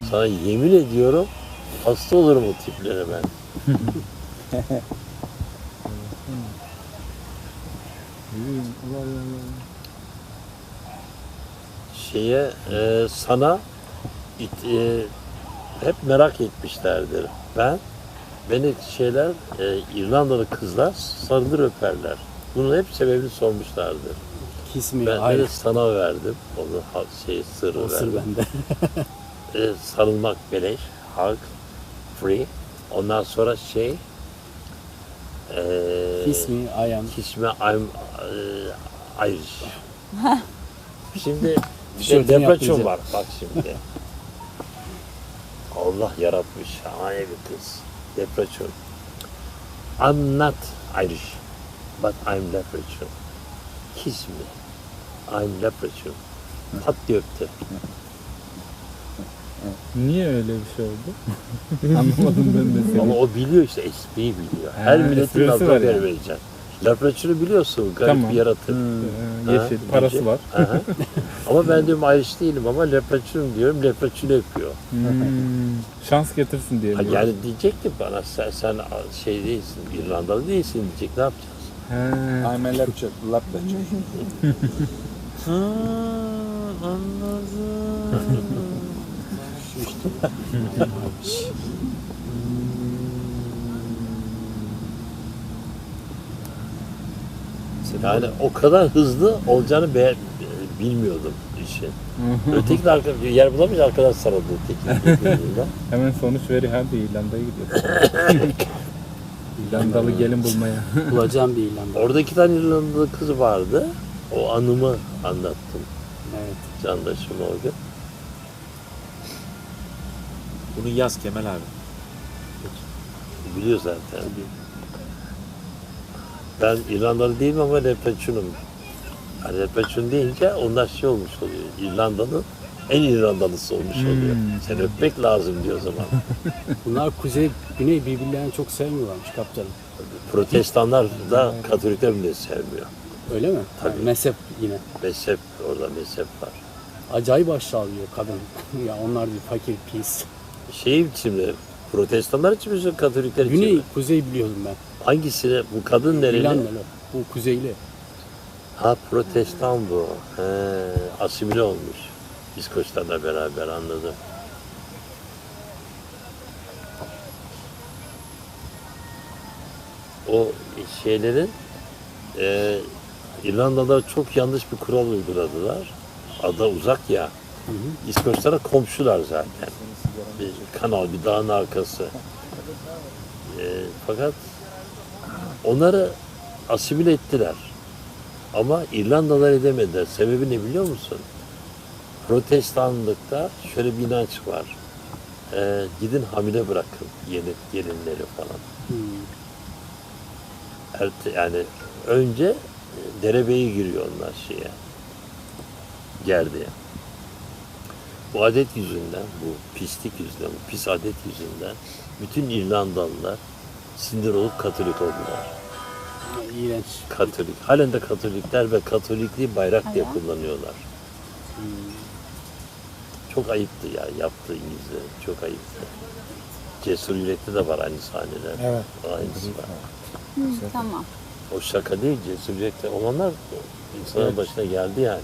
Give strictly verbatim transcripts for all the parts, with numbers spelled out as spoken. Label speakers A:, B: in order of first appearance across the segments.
A: Sana yemin ediyorum hasta olurum o tiplere ben. Şeye e, sana it, e, hep merak etmişlerdir. Ben beni şeyler e, İrlandalı kızlar sarılır öperler. Bunun hep sebebini sormuşlardır.
B: Kismi
A: Ben
B: ayrı.
A: de sana verdim. Onu ha- şey sırrı
B: O sır
A: verdim.
B: bende.
A: E, sarılmak beleş, hug, free. Ondan sonra şey e,
B: Kiss me, I am.
A: kiss me, I'm e, Irish. Şimdi bir de
B: Tişörtünü
A: depreçon
B: yaptıracağım.
A: var bak şimdi. Allah yaratmış şahane bir kız. Depreçon. I'm not Irish, but I'm leprechaun. Kiss me. I'm leprechaun. Pat diye öptü.
C: Niye öyle bir şey oldu? Anlamadım ben de seni.
A: Ama o biliyor işte, espriyi biliyor. Her
C: Ha,
A: milletin
C: esprisi
A: adına
C: var
A: ver
C: yani.
A: vereceksin. Leprechaun'u biliyorsun, garip
C: Tamam.
A: bir yaratık.
C: Ee,
A: Ha,
C: yeşil, parası
A: diyecek.
C: var.
A: Aha. Ama ben diyorum Irish değilim ama leprechaun diyorum, leprechaun yapıyor.
C: Hmm, şans getirsin diye
A: Ha,
C: mi?
A: yani diyecek ki bana sen, sen şey değilsin, İrlandalı değilsin diyecek, ne yapacağız?
C: He.
D: I'm a lecture, lab lecture.
A: Ha, anladım. Yani o kadar hızlı olacağını be, bilmiyordum işin. Öteki de arka, yer bulamayınca arkadaş sarıldı öteki.
C: Hemen sonuç veri hadi İrlanda'ya gidiyor. İrlandalı gelin bulmaya.
B: Bulacağım bir İrlanda.
A: Orada iki tane İrlandalı kız vardı. O anımı anlattım.
B: Evet.
A: Candaşım orada.
D: Bunu yaz Kemal abi.
A: Biliyor zaten. Ben İrlandalı değilim ama leprechaun'um. Yani leprechaun deyince onlar şey olmuş oluyor. İrlanda'nın en İrlandalısı olmuş oluyor.
C: Hmm.
A: Sen öpmek lazım diyor o zaman.
B: Bunlar kuzey, güney birbirlerini çok sevmiyorlarmış kaptanım.
A: Protestanlar da Katolikler bile sevmiyor.
B: Öyle mi?
A: Tabii.
B: Yani mezhep yine.
A: Mezhep, orada mezhep var.
B: Acayip aşağılıyor kadın. Ya onlar bir fakir pis.
A: Şey şimdi, protestanlar için mi, Katolikler için
B: Güney,
A: mi?
B: kuzey biliyordum ben.
A: Hangisine? Bu kadın nereli?
B: İrlandalı. Bu kuzeyli.
A: Ha, protestan bu. He, asimile olmuş. İskoçlarla beraber, anladım. O şeylerin e, İrlandalılar çok yanlış bir kural uyguladılar. Ada uzak ya.
B: Hı hı.
A: İskoçlara komşular zaten. Bir kanal, bir dağın arkası. E, fakat onları asimile ettiler. Ama İrlandalılar edemediler. Sebebi ne biliyor musun? Protestanlıkta şöyle bir inanç var. E, gidin hamile bırakın yeni gelinleri falan.
B: Hmm.
A: Erte, yani önce e, derebeye giriyor onlar şeye. Gerdiğe. Bu adet yüzünden, bu pislik yüzünden, bu pis adet yüzünden bütün İrlandalılar sindir olup Katolik oldular.
B: İğrenç.
A: Katolik. Halen de Katolikler ve Katolikliği bayrak diye
E: Hala.
A: kullanıyorlar.
B: Hmm.
A: Çok ayıptı ya yaptığı İngilizler. Çok ayıptı. Cesur Yürek'te de var aynı sahneler.
D: Evet.
A: Aynısı var.
E: Hı, tamam.
A: O şaka değil, Cesur Yürek'te olanlar insanın başına geldi yani.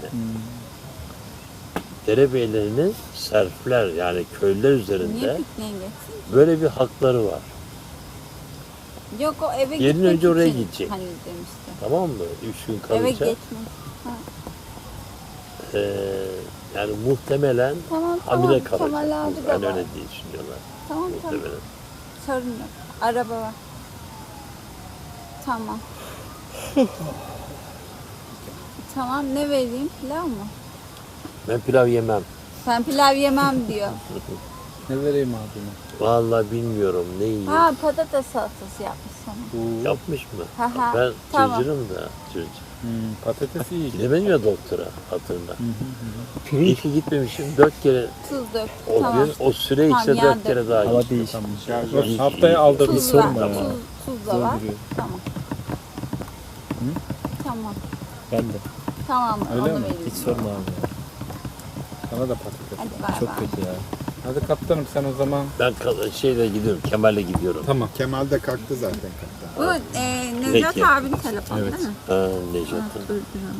A: Derebeylerinin serfler yani köylüler
E: Niye
A: üzerinde
E: pikniğe geçsin?
A: böyle bir hakları var.
E: Yok o eve
A: Gelin
E: gitmek
A: önce oraya
E: için
A: gidecek.
E: Hani demişti.
A: Tamam mı? Üç gün
E: Eve
A: kalacak.
E: geçmek.
A: Ee, yani muhtemelen
E: Tamam
A: hamile
E: tamam.
A: kalacak.
E: Kemal abi de
A: Yani
E: var.
A: öyle diye düşünüyorlar.
E: Tamam tamam.
A: Muhtemelen.
E: Sorun yok. Araba var. Tamam. Tamam ne vereyim? Pilav mı?
A: Ben pilav yemem.
E: Ben pilav yemem diyor.
C: Ne vereyim abime?
A: Vallahi bilmiyorum ne yiyeyim.
E: Ha patates salatası yapmış sana.
A: Yapmış mı?
E: Ha, ha,
A: Ben
E: tamam.
A: cırcırım da cırcır.
C: Hmm, patates iyi.
A: Gidemedim ya doktora hatırla. İyi ki gitmemişim. Dört kere
E: Tuz dök.
A: o
E: Tamam.
A: gün o süre
E: Tamam,
A: içinde
E: yağ
A: dört kere
E: dök.
A: daha
C: Hava
A: gittim.
C: değişmiş. Haftaya aldırdı
E: Tuz var.
C: sorma ya.
E: Tuz, tuz da var.
C: Dolduruyor.
E: Tamam. Tamam.
D: Ben de.
E: Tamam
C: Öyle
E: onu
C: mi?
E: vereyim.
D: Hiç sorma abi ya.
C: Sana da patates.
E: Hadi bay
D: Çok
E: bay.
D: kötü ya.
C: Hadi kaptanım sen o zaman.
A: Ben ka- şeyle gidiyorum, Kemal'le gidiyorum.
C: Tamam.
F: Kemal de kalktı zaten kaptan.
E: Bu e, Necat
A: Peki.
E: abinin telefonu değil mi?
A: Ha,
E: Ha,
A: Necat'ın.
E: durduralım.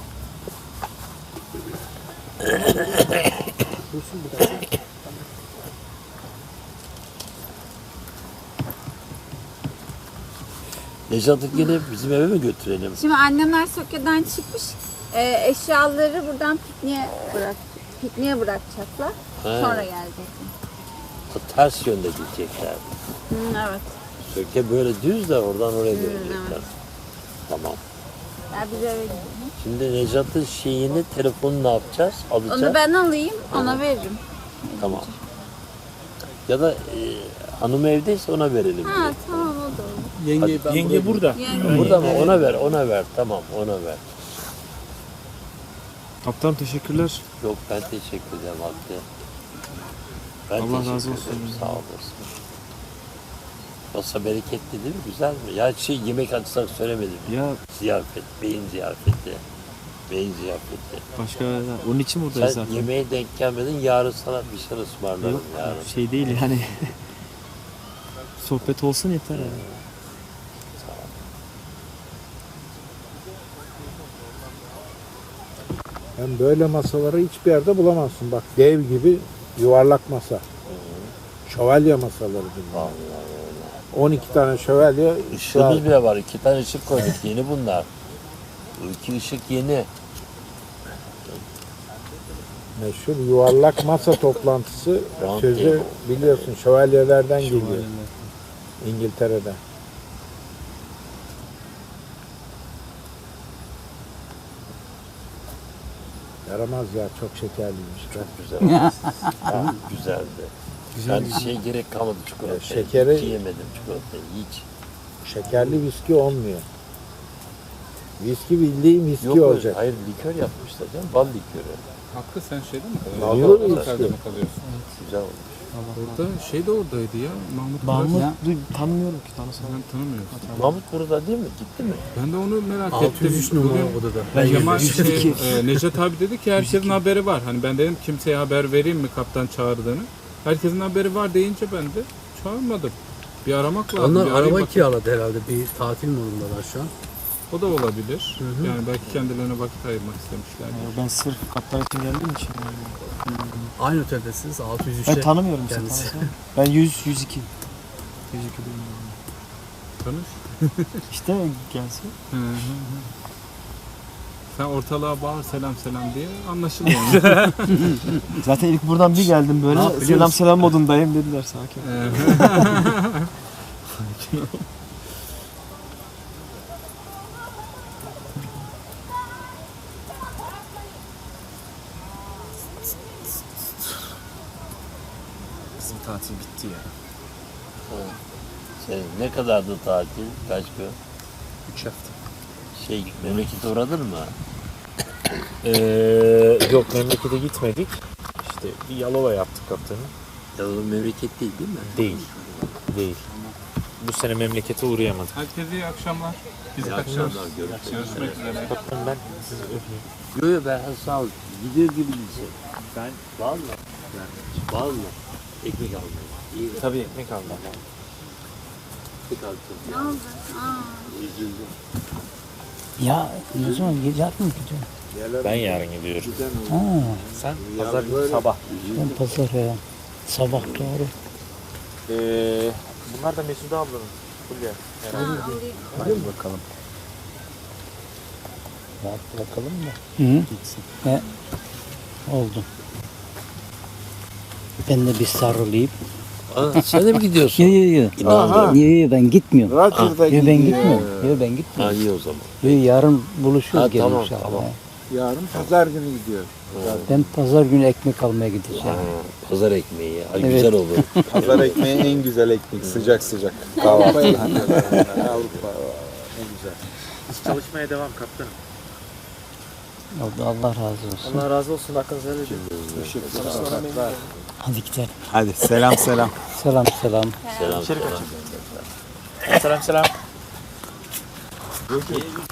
A: Necat'ı yine bizim eve mi götürelim?
E: Şimdi annemler Söke'den çıkmış. E, eşyaları buradan pikniğe bırak pikniğe bırakacaklar.
A: Ha.
E: Sonra gelecekler.
A: O ters yönde gidecekler.
E: Hı, evet.
A: Söke böyle düz de oradan oraya
E: Hı,
A: dönecekler.
E: evet.
A: Tamam.
E: Ya biz eve gidelim.
A: Şimdi Necat'ın şeyini, telefonunu ne yapacağız? Alacağız.
E: Onu ben alayım, ona veririm.
A: Tamam. Ya da e, hanım evdeyse ona verelim.
E: Ha tamam o da olur.
B: Yengeyi ben
D: Yenge burada.
E: Yani
A: Burada mı? Ona ver, ona ver. Tamam, ona ver.
D: Kaptan teşekkürler.
A: Yok ben teşekkür ederim Hakkı. Ben
D: Allah
A: teşekkür
D: razı olsun.
A: ederim. Sağ olasın. Masa bereketli değil mi? Güzel mi? Ya şey yemek açsak söylemedim.
D: Ya
A: Ziyafet, beyin ziyafeti. Beyin ziyafeti.
D: başka onun için buradayız
A: Sen
D: zaten.
A: yemeğe denk gelmedin, yarın sana bir şey ısmarlarım
D: Yok
A: yarın.
D: şey değil yani. Sohbet olsun yeter yani.
F: Hem böyle masaları hiçbir yerde bulamazsın. Bak dev gibi yuvarlak masa. Şövalye masaları bunlar.
A: Vallahi
F: on iki tane şövalye.
A: Işığımız bile var. İki tane ışık koyduk. Yeni bunlar. Bu iki ışık yeni.
F: Meşhur yuvarlak masa toplantısı
A: Round
F: sözü
A: table.
F: biliyorsun şövalyelerden geliyor İngiltere'den. Yaramaz ya çok şekerliymiş.
A: Çok güzel. Ha, güzeldi.
D: Güzel.
A: Ben şey gerek kalmadı çikolata.
F: Şekeri-
A: Hiç yemedim çikolatayı. Hiç.
F: Şekerli viski olmuyor. Viski bildiğin viski
A: Yok öyle.
F: olacak.
A: Hayır likör yapmışlar canım. Bal likörü.
C: Hakkı sen şeyde mi
F: Vallahi
C: kalıyorsun?
F: viski.
C: Otelde mi kalıyorsun?
A: Güzel olmuş.
C: Orada şey de oradaydı ya. Mahmut.
D: Mahmut
C: Biraz-
D: duy- tanımıyorum ki tanısam.
C: Sen tanımıyorsun.
A: Mahmut burada değil mi? Gitti mi?
C: Ben de onu merak
B: altı
C: ettim.
B: yüz üç numara
C: Bugün-
B: odada.
D: Ben
C: Kemal
D: yüz iki.
C: şey, e, Necat abi dedi ki herkesin haberi var. Hani ben dedim kimseye haber vereyim mi kaptan çağırdığını. Herkesin haberi var deyince ben de çağırmadım. Bir aramak lazım.
B: Onlar
C: bir arayayım
B: araba
C: bakayım.
B: kiraladı herhalde. Bir tatil modundalar şu an.
C: O da olabilir. Yani belki kendilerine vakit ayırmak istemişler.
D: Ben sırf kaptan için geldiğim için.
B: Aynı oteldesiniz. altı yüz üçte.
D: Ben tanımıyorum işte
B: kendisi.
D: tanısam. Ben yüz, yüz iki. yüz iki değilim.
C: Tanış.
D: İşte gelsin.
C: Hı hı hı. Sen ortalığa bağır selam selam diye anlaşılıyor.
D: Zaten ilk buradan bir geldim
B: Ne
D: böyle
B: yap biliyor
D: selam
B: musun?
D: selam modundayım dediler sakin. Bizim tatil bitti ya.
A: Senin ne kadardı tatil? Kaç gün?
D: üç hafta.
A: Şey memlekete uğradın mı?
D: Ee, yok memlekete gitmedik. İşte bir Yalova yaptık kaptanı.
A: Ya o memleket değil değil mi?
D: Değil. Değil. Bu sene memlekete uğrayamadık.
C: Herkese iyi akşamlar. Biz
A: İyi
C: kaçıyoruz.
A: akşamlar, görüşürüz.
C: Görüşmek üzere.
D: Kaptan ben sizi öpeyim.
A: Yok yok ben sağ ol. Gidiyor gibi gidecek. Ben valla. Valla. Ekmek almaya. İyi.
D: Tabii ekmek aldım.
A: Ekmek alacağım.
E: Ne oldu? Aa.
A: Üzüldüm.
G: Ya ne zaman yarın mı gidiyorsun?
D: Ben yarın gidiyorum.
G: Ha,
D: Sen pazar günü sabah.
G: ben pazar ya. Sabah doğru.
D: Ee, bunlar da Mesude ablanın. Fulya.
E: Ha, alayım.
D: Hadi bakalım.
G: Rahat bırakalım da. Hı?
D: Gitsin.
G: He. Oldu. Ben de bir sarılayım.
A: Aa, sen de mi gidiyorsun?
G: Yo yo yo.
A: İnanmıyorum.
G: Yo yo ben gitmiyorum.
F: Roger'da
G: Yo ben
F: gidiyor.
G: gitmiyorum. Yo ben
A: Ha
G: gitmiyorum.
A: iyi o zaman.
G: Yo yarın buluşuruz
A: Ha,
G: gelin
A: tamam,
G: inşallah.
A: tamam.
G: He.
F: Yarın pazar günü gidiyor.
G: Ben pazar günü ekmek almaya gideceğim.
A: Ha, pazar ekmeği. Ha,
G: Evet.
A: Güzel olur.
F: Pazar ekmeği en güzel ekmek. Sıcak sıcak. Kahvaltı. Avrupa en güzel.
D: Biz çalışmaya devam kaptanım.
G: Oldu Allah razı olsun.
D: Allah razı olsun. Hakkınızı helal edin.
G: Hadi gidelim.
F: Hadi selam selam.
G: Selam selam.
A: Selam
D: İçeri
A: selam.
D: Selam selam.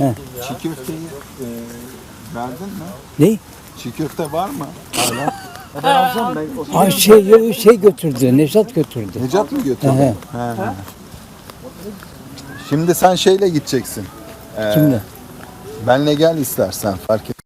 F: Çiğ köfteyi e, verdin mi?
G: Ne?
F: Çiğ köfte var mı?
G: Ay şey, şey götürdü, Nevzat götürdü.
H: Necat mı götürdü?
G: He.
H: He. Şimdi sen şeyle gideceksin. Ee,
G: Kimle?
H: Benle gel istersen fark et.